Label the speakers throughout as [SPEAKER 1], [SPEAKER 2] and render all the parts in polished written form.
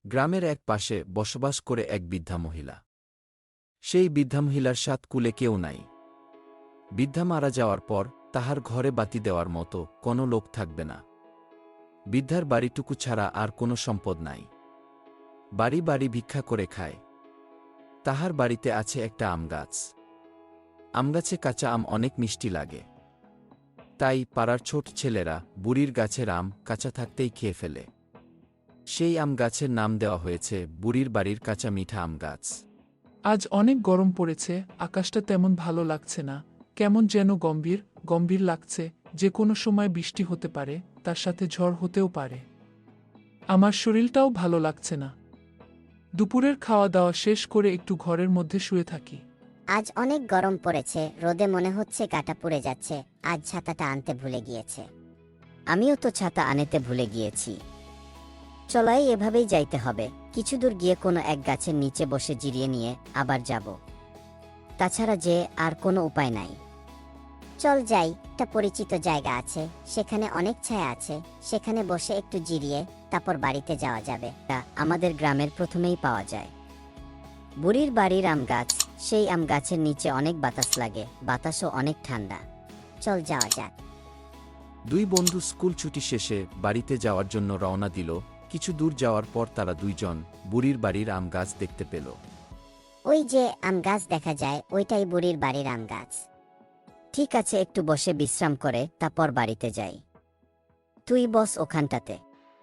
[SPEAKER 1] গ্রামের এক পাশে বসবাস করে এক বৃদ্ধা মহিলা। সেই বৃদ্ধা মহিলার সাত কুলে কেউ নাই। বৃদ্ধা মারা যাওয়ার পর তাহার ঘরে বাতি দেওয়ার মতো কোনো লোক থাকবে না। বৃদ্ধার বাড়িটুকু ছাড়া আর কোনো সম্পদ নাই। বাড়ি বাড়ি ভিক্ষা করে খায়। তাহার বাড়িতে আছে একটা আম গাছ। আমগাছে কাঁচা আম অনেক মিষ্টি লাগে। তাই পাড়ার ছোট ছেলেরা বুড়ির গাছের আম কাঁচা থাকতেই খেয়ে ফেলে। সেই আম গাছের নাম দেওয়া হয়েছে বুড়ির বাড়ির কাঁচা মিঠা আম গাছ।
[SPEAKER 2] আজ অনেক গরম পড়েছে, আকাশটা তেমন ভালো লাগছে না, কেমন যেন গম্ভীর গম্ভীর লাগছে। যে কোনো সময় বৃষ্টি হতে পারে, তার সাথে ঝড় হতেও পারে। আমার শরীরটাও ভালো লাগছে না। দুপুরের খাওয়া দাওয়া শেষ করে একটু ঘরের মধ্যে শুয়ে থাকি।
[SPEAKER 3] আজ অনেক গরম পড়েছে, রোদে মনে হচ্ছে কাটা পুড়ে যাচ্ছে। আজ ছাতাটা আনতে ভুলে গিয়েছে। আমিও তো ছাতা আনতে ভুলে গিয়েছি। চলাই এভাবেই যাইতে হবে। কিছু দূর গিয়ে কোনো এক গাছের নিচে বসে জিরিয়ে নিয়ে আবার যাব। তাছাড়া যে আর কোনো উপায় নাই। চল যাই, একটা পরিচিত জায়গা আছে, সেখানে অনেক ছায়া আছে। সেখানে বসে একটু জিরিয়ে তারপর বাড়িতে যাওয়া যাবে। তা আমাদের গ্রামের প্রথমেই পাওয়া যায় বুড়ির বাড়ির আম গাছ। সেই আম গাছের নিচে অনেক বাতাস লাগে, বাতাসও অনেক ঠান্ডা। চল যাওয়া যাক।
[SPEAKER 1] দুই বন্ধু স্কুল ছুটি শেষে বাড়িতে যাওয়ার জন্য রওনা দিল। কিছু দূর যাওয়ার পর তারা দুইজন বুড়ির বাড়ির আম গাছ দেখতে পেল।
[SPEAKER 3] ওই যে আম গাছ দেখা যায়, ওইটাই বুড়ির বাড়ির আম গাছ। ঠিক আছে, একটু বসে বিশ্রাম করে তারপর বাড়িতে যাই। তুই বস ওখানটাতে।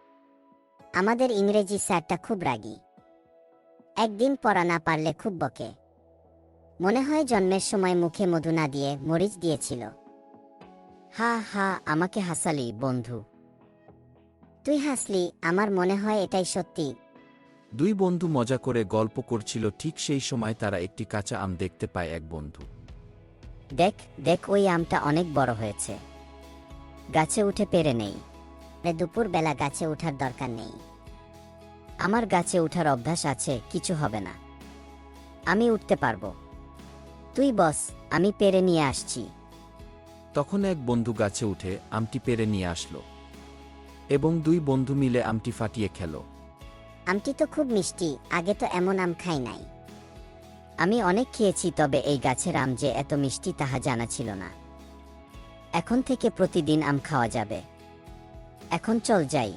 [SPEAKER 3] আমাদের ইংরেজি স্যারটা খুব রাগী। একদিন পড়া না পারলে খুব বকে। মনে হয় জন্মের সময় মুখে মধু না দিয়ে মরিচ দিয়েছিল। হা হা, আমাকে হাসালি বন্ধু। তুই হাসলি, আমার মনে হয় এটাই সত্যি।
[SPEAKER 1] দুই বন্ধু মজা করে গল্প করছিল। ঠিক সেই সময় তারা একটি কাঁচা আম দেখতে পায়। এক বন্ধু,
[SPEAKER 3] দেখ দেখ, ওই আমটা অনেক বড় হয়েছে। গাছে উঠে পেরে নেই। দুপুর বেলা গাছে উঠার দরকার নেই। আমার গাছে উঠার অভ্যাস আছে, কিছু হবে না। আমি উঠতে পারবো। তুই বস, আমি পেরে নিয়ে আসছি।
[SPEAKER 1] তখন এক বন্ধু গাছে উঠে আমটি পেরে নিয়ে আসলো এবং দুই বন্ধু মিলে আমটি ফাটিয়ে খেল।
[SPEAKER 3] আমটি তো খুব মিষ্টি, আগে তো এমন আম খাই নাই। আমি অনেক খেয়েছি, তবে এই গাছের আম যে এত মিষ্টি তাহা জানা ছিল না। এখন থেকে প্রতিদিন আম খাওয়া যাবে। এখন চল যাই।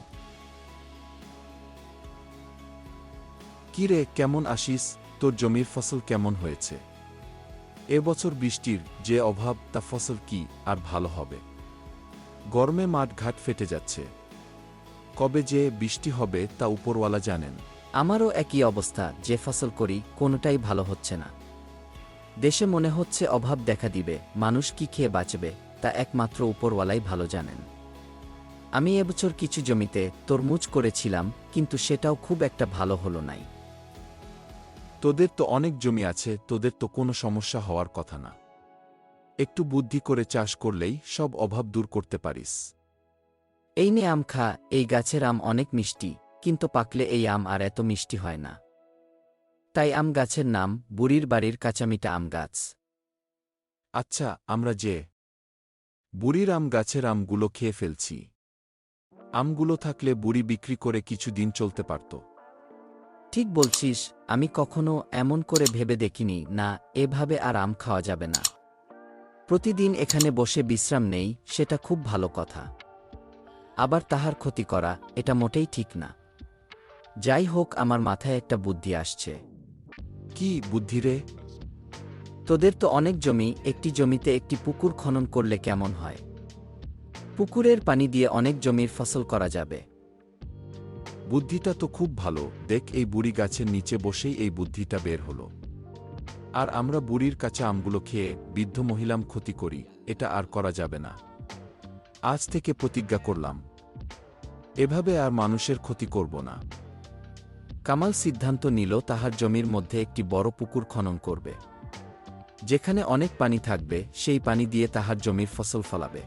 [SPEAKER 1] কিরে, কেমন আসিস? তোর জমির ফসল কেমন হয়েছে? এবছর বৃষ্টির যে অভাব, তা ফসল কি আর ভালো হবে? গরমে মাঠ ঘাট ফেটে যাচ্ছে। কবে যে বৃষ্টি হবে তা উপরওয়ালা জানেন।
[SPEAKER 4] আমারও একই অবস্থা, যে ফসল করি কোনোটাই ভালো হচ্ছে না। দেশে মনে হচ্ছে অভাব দেখা দিবে, মানুষ কি খেয়ে বাঁচবে তা একমাত্র উপরওয়ালাই ভালো জানেন। আমি এবছর কিছু জমিতে তরমুজ করেছিলাম, কিন্তু সেটাও খুব একটা ভালো হলো নাই।
[SPEAKER 1] তোদের তো অনেক জমি আছে, তোদের তো কোনো সমস্যা হওয়ার কথা না। একটু বুদ্ধি করে চাষ করলেই সব অভাব দূর করতে পারিস।
[SPEAKER 4] এই নে আম খা, এই গাছের আম অনেক মিষ্টি, কিন্তু পাকলে এই আম আর এত মিষ্টি হয় না। তাই আম গাছের নাম বুড়ির বাড়ির কাঁচামিটা আম গাছ।
[SPEAKER 1] আচ্ছা, আমরা যে বুড়ির আম গাছের আমগুলো খেয়ে ফেলছি। আমগুলো থাকলে বুড়ি বিক্রি করে কিছু দিন চলতে পারত।
[SPEAKER 4] ঠিক বলছিস, আমি কখনো এমন করে ভেবে দেখিনি। না, এভাবে আর আম খাওয়া যাবে না। প্রতিদিন এখানে বসে বিশ্রাম নেই, সেটা খুব ভালো কথা। আবার তাহার ক্ষতি করা, এটা মোটেই ঠিক না। যাই হোক, আমার মাথায় একটা বুদ্ধি আসছে।
[SPEAKER 1] কি বুদ্ধি রে?
[SPEAKER 4] তোদের তো অনেক জমি, একটি জমিতে একটি পুকুর খনন করলে কেমন হয়? পুকুরের পানি দিয়ে অনেক জমির ফসল করা যাবে।
[SPEAKER 1] বুদ্ধিটা তো খুব ভালো। দেখ, এই বুড়ি গাছের নিচে বসেই এই বুদ্ধিটা বের হলো। আর আমরা বুড়ির কাঁচা আমগুলো খেয়ে বৃদ্ধ মহিলাম ক্ষতি করি, এটা আর করা যাবে না। আজ থেকে প্রতিজ্ঞা করলাম, এভাবে আর মানুষের ক্ষতি করব না। কামাল সিদ্ধান্ত নিল তাহার জমির মধ্যে একটি বড় পুকুর খনন করবে, যেখানে অনেক পানি থাকবে। সেই পানি দিয়ে তাহার জমির ফসল ফলাবে।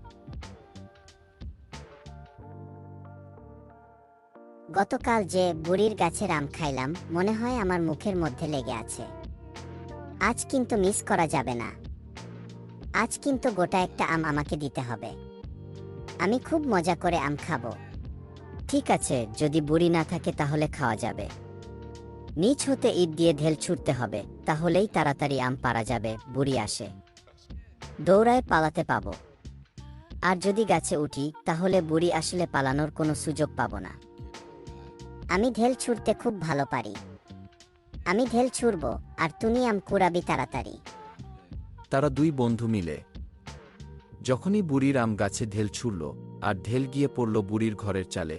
[SPEAKER 3] গতকাল যে বুড়ির গাছের আম খাইলাম, মনে হয় আমার মুখের মধ্যে লেগে আছে। আজ কিন্তু মিস করা যাবে না। আজ কিন্তু গোটা একটা আম আমাকে দিতে হবে। আমি খুব মজা করে আম খাবো। ঠিক আছে, যদি বুড়ি না থাকে তাহলে খাওয়া যাবে। নিচ হতে ইট দিয়ে ঢেল ছুটতে হবে, তাহলেই তাড়াতাড়ি আম পারা যাবে। বুড়ি আসে, দৌড়ায় পালাতে পাবো। আর যদি গাছে উঠি তাহলে বুড়ি আসলে পালানোর কোনো সুযোগ পাবো না। আমি ঢেল ছুঁড়তে খুব ভালো পারি। আমি ঢেল ছুঁড়ব আর তুমি আম কুড়াবি তাড়াতাড়ি।
[SPEAKER 1] তারা দুই বন্ধু মিলে যখনই বুড়ির আম গাছে ঢেল ছুড়ল আর ঢেল গিয়ে পড়ল বুড়ির ঘরের চালে।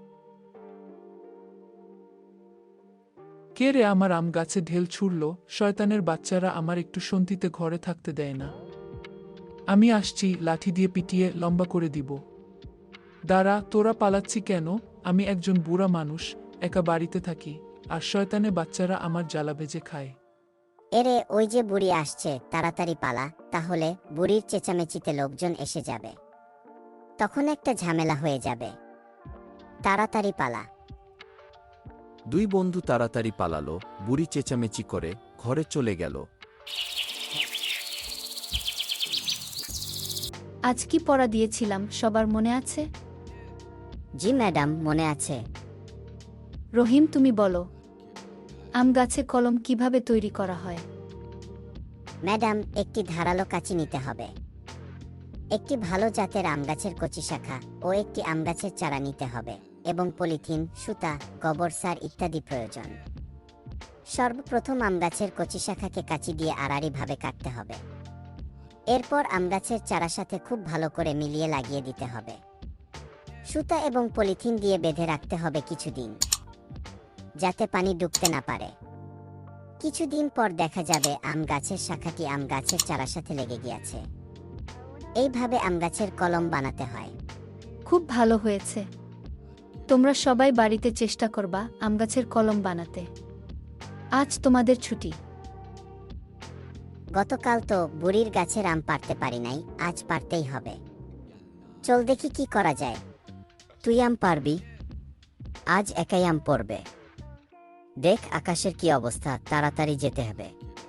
[SPEAKER 2] কে রে আমার আম গাছে ঢেল ছুড়ল? শয়তানের বাচ্চারা আমার একটু শান্তিতে ঘরে থাকতে দেয় না। আমি আসছি, লাঠি দিয়ে পিটিয়ে লম্বা করে দিব। দাঁড়া, তোরা পালাচ্ছি কেন? আমি একজন বুড়া মানুষ, একা বাড়িতে থাকি, আর শয়তানে বাচ্চারা আমার জ্বালা ভেজে খায়।
[SPEAKER 3] এরে, ওই যে বুড়ি আসছে, তাড়াতাড়ি পালা, তাহলে বুড়ির চেঁচামেচিতে লোকজন এসে যাবে, তখন একটা ঝামেলা হয়ে যাবে। তাড়াতাড়ি পালা।
[SPEAKER 1] দুই বন্ধু তাড়াতাড়ি পালালো, বুড়ি চেঁচামেচি করে ঘরে চলে গেল।
[SPEAKER 5] আজ কি পড়া দিয়েছিলাম সবার মনে আছে?
[SPEAKER 3] জি ম্যাডাম, মনে আছে।
[SPEAKER 5] রহিম, তুমি বলো, আম গাছে কলম কিভাবে তৈরি করা হয়?
[SPEAKER 3] ম্যাডাম, একটি ধারালো কাঁচি নিতে হবে, একটি ভালো জাতের আম গাছের কচি শাখা ও একটি আম গাছের চারা নিতে হবে, এবং পলিথিন, সুতা, গোবর সার ইত্যাদি প্রয়োজন। সর্বপ্রথম আম গাছের কচি শাখাকে কাঁচি দিয়ে আড়াআড়িভাবে কাটতে হবে। এরপর আম গাছের চারার সাথে খুব ভালো করে মিলিয়ে লাগিয়ে দিতে হবে। সুতা এবং পলিথিন দিয়ে বেঁধে রাখতে হবে কিছুদিন, যাতে পানি ঢুকতে না পারে। কিছুদিন পর দেখা যাবে আম গাছের শাখাটি আম গাছের চারার সাথে লেগে গিয়েছে। এইভাবে আম গাছের কলম বানাতে হয়।
[SPEAKER 5] খুব ভালো হয়েছে। তোমরা সবাই বাড়িতে চেষ্টা করবা আম গাছের কলম বানাতে। আজ তোমাদের ছুটি।
[SPEAKER 3] গতকাল তো বুড়ির গাছের আম পারতে পারি নাই, আজ পারতেই হবে। চল দেখি কি করা যায়। তুই আম পারবি? আজ একাই আম পড়বে। দেখ আকাশের কি অবস্থা, তাড়াতাড়ি যেতে হবে।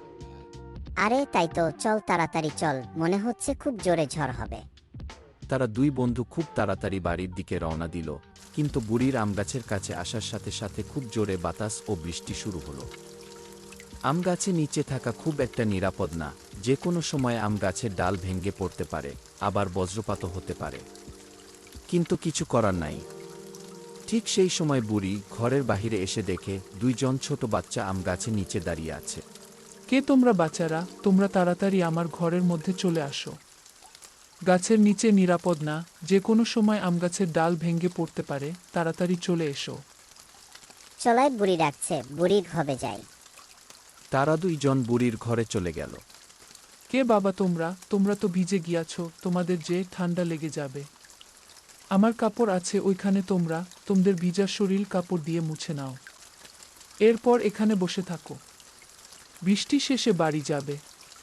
[SPEAKER 3] আরে তাই তো, চল তাড়াতাড়ি চল, মনে হচ্ছে খুব জোরে ঝড় হবে।
[SPEAKER 1] তারা দুই বন্ধু খুব তাড়াতাড়ি বাড়ির দিকে রওনা দিল, কিন্তু বুড়ির আম গাছের কাছে আসার সাথে সাথে খুব জোরে বাতাস ও বৃষ্টি শুরু হলো। আম গাছে নিচে থাকা খুব একটা নিরাপদ না, যে কোনো সময় আম গাছের ডাল ভেঙে পড়তে পারে, আবার বজ্রপাতও হতে পারে। কিন্তু কিছু করার নাই। ঠিক সেই সময় বুড়ি ঘরের বাহিরে এসে দেখে দুইজন ছোট বাচ্চা আম গাছের নিচে দাঁড়িয়ে আছে।
[SPEAKER 2] কে তোমরা বাচ্চারা? তোমরা তাড়াতাড়ি আমার ঘরের মধ্যে চলে আসো। গাছের নিচে নিরাপদ না, যে কোনো সময় আম গাছের ডাল ভেঙে পড়তে পারে, তাড়াতাড়ি চলে এসো।
[SPEAKER 3] চলাই, বুড়ি ডাকছে, বুড়ির ঘরে যাই।
[SPEAKER 1] তারা দুইজন বুড়ির ঘরে চলে গেল।
[SPEAKER 2] কে বাবা তোমরা? তোমরা তো ভিজে গিয়াছো, তোমাদের যে ঠান্ডা লেগে যাবে। আমার কাপড় আছে ওইখানে, তোমরা তোমাদের ভিজা শরীর কাপড় দিয়ে মুছে নাও। এরপর এখানে বসে থাকো, বৃষ্টি শেষে বাড়ি যাবে।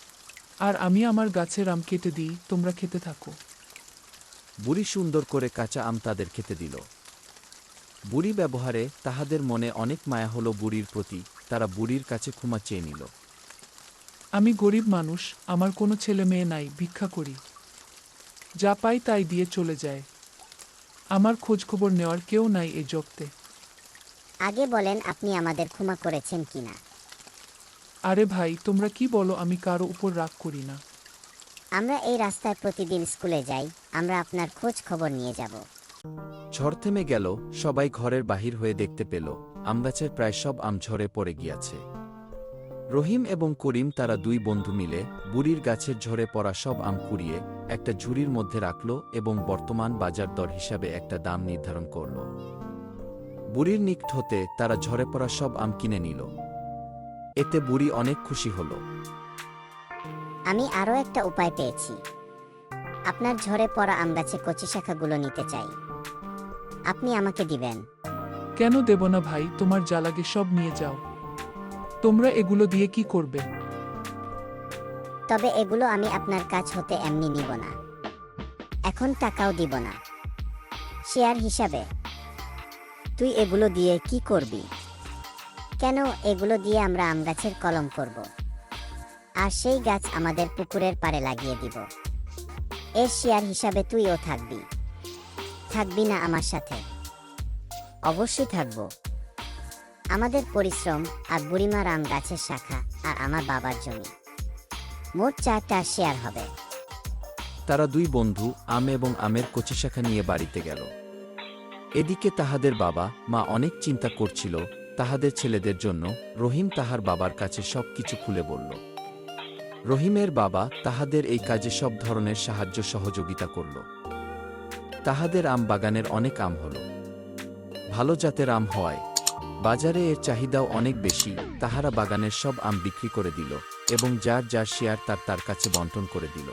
[SPEAKER 2] আর আমি আমার গাছের আম কেটে দিই, তোমরা খেতে থাকো।
[SPEAKER 1] বুড়ি সুন্দর করে কাঁচা আম তাদের খেতে দিল। বুড়ি ব্যবহারে তাহাদের মনে অনেক মায়া হলো বুড়ির প্রতি, তারা বুড়ির কাছে ক্ষমা চেয়ে নিল।
[SPEAKER 2] আমি গরিব মানুষ, আমার কোনো ছেলে মেয়ে নাই, ভিক্ষা করি, যা পাই তাই দিয়ে চলে যায়। আমার খোঁজখবর নেওয়ার কেউ নাই এই জগতে।
[SPEAKER 3] আগে বলেন আপনি আমাদের ক্ষমা করেছেন কিনা।
[SPEAKER 2] আরে ভাই, তোমরা কি বলো? আমি কারো উপর রাগ করি না।
[SPEAKER 3] আমরা এই রাস্তায় প্রতিদিন স্কুলে যাই, আমরা আপনার খোঁজ খবর নিয়ে যাব।
[SPEAKER 1] ঝড় থেমে গেল, সবাই ঘরের বাহির হয়ে দেখতে পেল আমগাছের প্রায় সব আম ঝরে পড়ে গিয়াছে। রহিম এবং করিম তারা দুই বন্ধু মিলে বুড়ির গাছের ঝরে পড়া সব আম কুড়িয়ে একটা ঝুড়ির মধ্যে রাখল এবং বর্তমান বাজার দর হিসাবে একটা দাম নির্ধারণ করল। বুড়ির নিকট হতে তারা ঝরে পড়া সব আম কিনে নিল। এতে বুড়ি অনেক খুশি হল।
[SPEAKER 3] আমি আরও একটা উপায় পেয়েছি। আপনার ঝরে পড়া আম গাছে কচি শাখাগুলো নিতে চাই, আপনি আমাকে দিবেন?
[SPEAKER 2] কেন দেব না ভাই, তোমার যা লাগে সব নিয়ে যাও। তোমরা এগুলো দিয়ে কি করবে?
[SPEAKER 3] তবে এগুলো আমি আপনার কাছ হতে এমনি নিব না, এখন টাকাও দিব না, শেয়ার হিসাবে। তুই এগুলো দিয়ে কি করবি? কেন, এগুলো দিয়ে আমরা আম গাছের কলম করব, আর সেই গাছ আমাদের পুকুরের পাড়ে লাগিয়ে দিব। এর শেয়ার হিসাবে তুইও থাকবি, থাকবি না আমার সাথে? অবশ্যই থাকবো। আমাদের পরিশ্রম আর বুড়িমার আম গাছের শাখা আর আমার বাবার জমি, মোট 4টা শেয়ার হবে।
[SPEAKER 1] তারা দুই বন্ধু আম এবং আমের কচি শাখা নিয়ে বাড়িতে গেল। এদিকে তাহাদের বাবা মা অনেক চিন্তা করছিল তাহাদের ছেলেদের জন্য। রহিম তাহার বাবার কাছে সব কিছু খুলে বলল। রহিমের বাবা তাহাদের এই কাজে সব ধরনের সাহায্য সহযোগিতা করল। তাহাদের আম বাগানের অনেক আম হল। ভালো জাতের আম হওয়ায় বাজারে এর চাহিদাও অনেক বেশি। তাহারা বাগানের সব আম বিক্রি করে দিল এবং যার যার শেয়ার তার তার কাছে বন্টন করে দিল।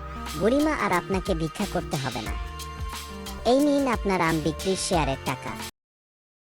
[SPEAKER 3] বুড়িমা আর আপনাকে ভিক্ষা করতে হবে না। এই নিন আপনার আম বিক্রির শেয়ারের টাকা।